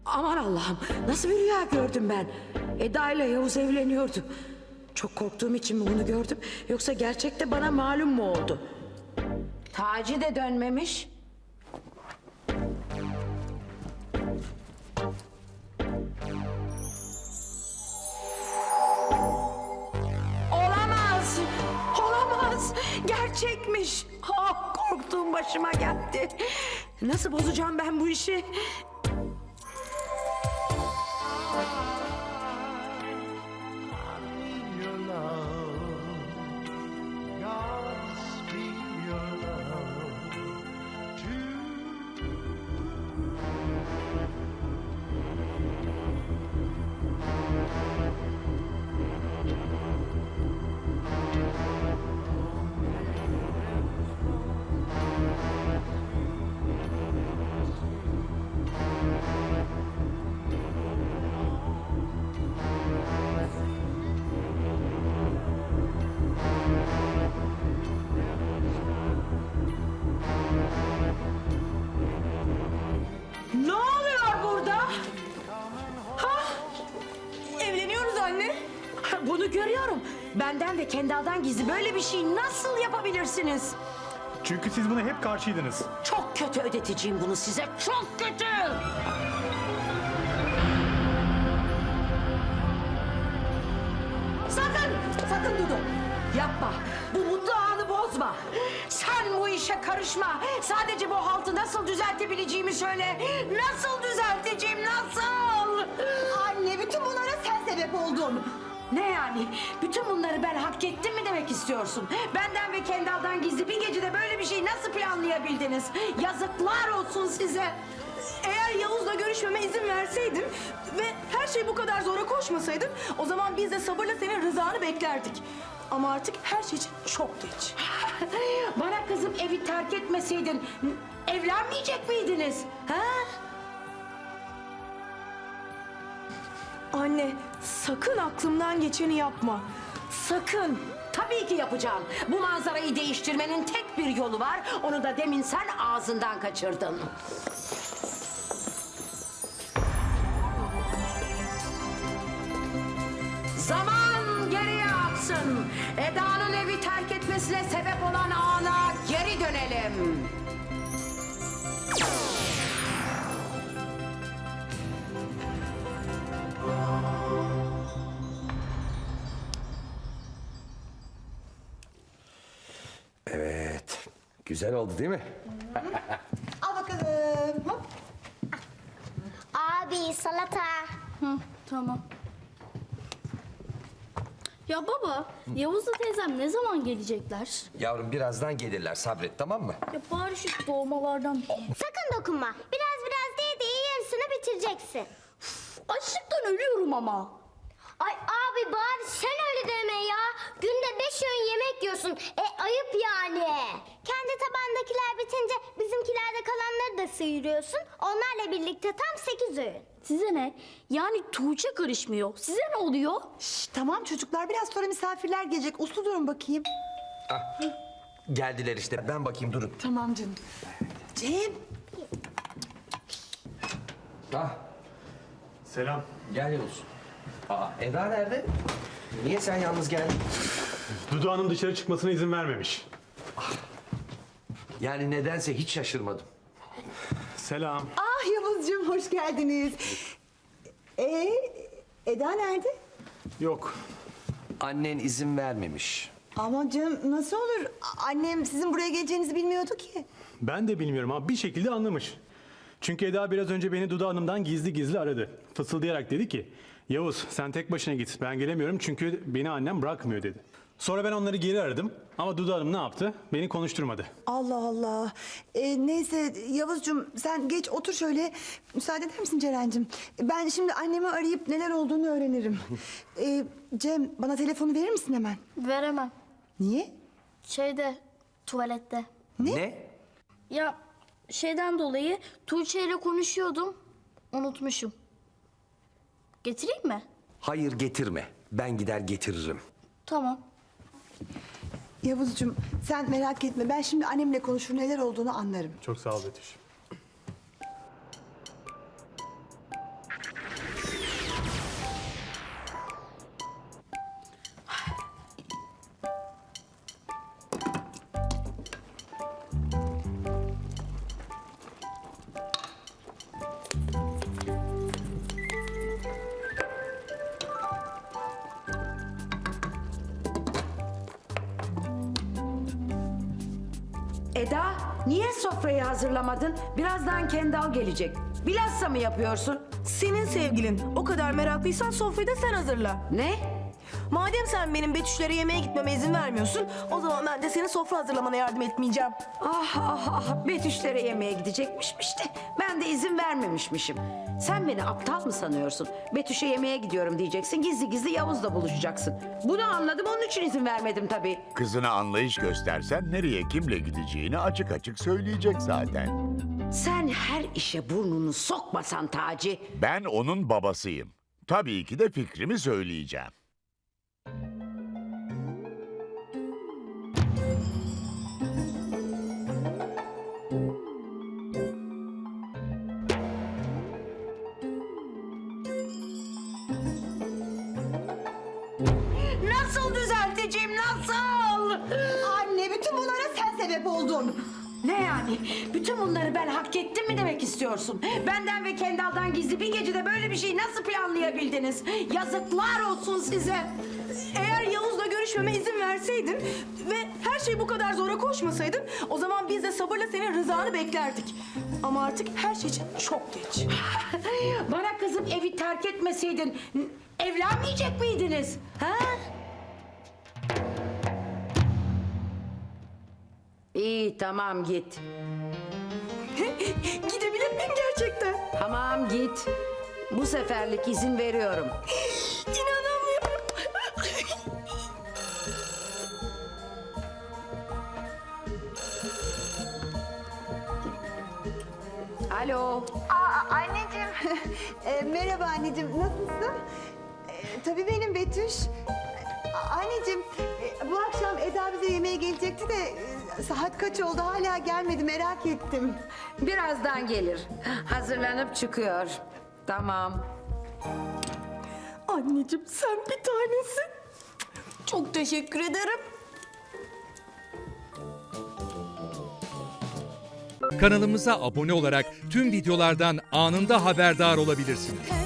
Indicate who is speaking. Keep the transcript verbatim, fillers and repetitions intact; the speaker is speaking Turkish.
Speaker 1: Aman Allah'ım, nasıl bir rüya gördüm ben? Eda ile Yavuz evleniyordu. Çok korktuğum için mi bunu gördüm, yoksa gerçekte bana malum mu oldu? Taci de dönmemiş. Olamaz, olamaz. Gerçekmiş. Ah, korktuğum başıma geldi. Nasıl bozacağım ben bu işi? Ne oluyor burada? Ha?
Speaker 2: Evleniyoruz anne.
Speaker 1: Bunu görüyorum. Benden ve Kendal'dan gizli böyle bir şey nasıl yapabilirsiniz?
Speaker 3: Çünkü siz buna hep karşıydınız.
Speaker 1: Çok kötü ödeteceğim bunu size. Çok kötü. Sakın, sakın Dudu. Yapma. Bu mutlu anı bozma. Sen bu işe karışma. Sadece bu haltı nasıl düzeltebileceğimi söyle. Nasıl düzelteceğim, nasıl?
Speaker 2: Anne bütün bunlara sen sebep oldun.
Speaker 1: Ne yani? Bütün bunları ben hak ettim mi demek istiyorsun? Benden ve Kendal'dan gizli bir gecede böyle bir şey nasıl planlayabildiniz? Yazıklar olsun size.
Speaker 2: Eğer Yavuz'la görüşmeme izin verseydin ve her şey bu kadar zora koşmasaydın, o zaman biz de sabırla senin rızanı beklerdik. Ama artık her şey için çok geç.
Speaker 1: Bana kızım evi terk etmeseydin evlenmeyecek miydiniz? Ha?
Speaker 2: Anne sakın aklımdan geçeni yapma.
Speaker 1: Sakın. Tabii ki yapacağım. Bu manzarayı değiştirmenin tek bir yolu var. Onu da demin sen ağzından kaçırdın. Zaman geriye aksın. Eda'nın evi terk etmesine sebep olan ana geri dönelim.
Speaker 4: Evet. Güzel oldu değil mi?
Speaker 2: Al bakalım. Hop.
Speaker 5: Abi salata.
Speaker 6: Hı, tamam. Ya baba, Yavuz'la teyzem ne zaman gelecekler?
Speaker 4: Yavrum birazdan gelirler. Sabret, tamam mı?
Speaker 6: Ya bari şu doğmalardan...
Speaker 5: Sakın dokunma. Biraz biraz değil değil yarısını bitireceksin.
Speaker 6: Açlıktan ölüyorum ama.
Speaker 5: Ay abi bari sen öyle deme ya. Günde beş öğün yemek yiyorsun. E ayıp yani. Kendi tabandakiler bitince bizimkilerde kalanları da sıyırıyorsun. Onlarla birlikte tam sekiz öğün.
Speaker 6: Size ne? Yani Tuğçe karışmıyor. Size ne oluyor?
Speaker 2: Şş, tamam çocuklar biraz sonra misafirler gelecek. Uslu durun bakayım.
Speaker 4: Ah, geldiler işte. Ben bakayım, durun.
Speaker 2: Tamam canım. Cem.
Speaker 4: Ah,
Speaker 3: Selam.
Speaker 4: gel Yavuz. Aa, Eda nerede? Niye sen yalnız geldin?
Speaker 3: Dudu Hanım dışarı çıkmasına izin vermemiş.
Speaker 4: Yani nedense hiç şaşırmadım.
Speaker 3: Selam.
Speaker 2: Ah Yavuzcuğum hoş geldiniz. Ee, Eda nerede?
Speaker 3: Yok.
Speaker 4: Annen izin vermemiş.
Speaker 2: Aman canım nasıl olur? A- Annem sizin buraya geleceğinizi bilmiyordu ki.
Speaker 3: Ben de bilmiyorum ama bir şekilde anlamış. Çünkü Eda biraz önce beni Dudu Hanım'dan gizli gizli aradı. Fısıldayarak dedi ki, Yavuz sen tek başına git, ben gelemiyorum çünkü beni annem bırakmıyor dedi. Sonra ben onları geri aradım ama Dudu Hanım ne yaptı? Beni konuşturmadı.
Speaker 2: Allah Allah. Ee, neyse Yavuzcuğum sen geç otur şöyle. Müsaade eder misin Ceren'cim? Ben şimdi annemi arayıp neler olduğunu öğrenirim. Ee, Cem bana telefonu verir misin hemen?
Speaker 6: Veremem.
Speaker 2: Niye?
Speaker 6: Şeyde, tuvalette.
Speaker 2: Ne?
Speaker 4: Ne?
Speaker 6: Ya şeyden dolayı Tuğçe ile konuşuyordum. Unutmuşum. Getireyim mi?
Speaker 4: Hayır, getirme. Ben gider getiririm.
Speaker 6: Tamam.
Speaker 2: Yavuzcuğum sen merak etme. Ben şimdi annemle konuşur neler olduğunu anlarım.
Speaker 3: Çok sağ ol Betüş.
Speaker 1: Eda, niye sofrayı hazırlamadın? Birazdan Kendal gelecek. Bilhassa mı yapıyorsun?
Speaker 7: Senin sevgilin. O kadar meraklıysan sofrayı da sen hazırla.
Speaker 1: Ne?
Speaker 7: Madem sen benim Betüşlere yemeğe gitmeme izin vermiyorsun, o zaman ben de senin sofra hazırlamana yardım etmeyeceğim.
Speaker 1: Ah ah ah, Betüşlere yemeğe gidecekmişmiş de ben de izin vermemişmişim. Sen beni aptal mı sanıyorsun? Betüş'e yemeğe gidiyorum diyeceksin, gizli gizli Yavuz'la buluşacaksın. Bunu anladım, onun için izin vermedim tabii.
Speaker 8: Kızına anlayış göstersen nereye kimle gideceğini açık açık söyleyecek zaten.
Speaker 1: Sen her işe burnunu sokmasan Taci.
Speaker 8: Ben onun babasıyım. Tabii ki de fikrimi söyleyeceğim.
Speaker 1: Nasıl düzelteceğim, nasıl?
Speaker 2: Anne bütün bunlara sen sebep oldun.
Speaker 1: Ne yani? Bütün bunları ben hak ettim mi demek istiyorsun? Benden ve Kendal'dan gizli bir gecede böyle bir şeyi nasıl planlayabildiniz? Yazıklar olsun size.
Speaker 7: Eğer Yavuz'la görüşmeme izin verseydin ve her şey bu kadar zora koşmasaydın, o zaman biz de sabırla senin rızanı beklerdik. Ama artık her şey için çok geç.
Speaker 1: Bana kızım evi terk etmeseydin evlenmeyecek miydiniz? Ha? İyi tamam git.
Speaker 7: Gidebilir miyim gerçekten?
Speaker 1: Tamam git. Bu seferlik izin veriyorum.
Speaker 7: İnanamıyorum.
Speaker 1: Alo.
Speaker 2: Aa, anneciğim. E, merhaba anneciğim, nasılsın? E, tabii benim Betüş. E, anneciğim, e, bu akşam Eda bize yemeğe gelecekti de e, saat kaç oldu hala gelmedi, merak ettim.
Speaker 1: Birazdan gelir. Hazırlanıp çıkıyor. Tamam.
Speaker 7: Anneciğim sen bir tanesin. Çok teşekkür ederim.
Speaker 9: Kanalımıza abone olarak tüm videolardan anında haberdar olabilirsiniz.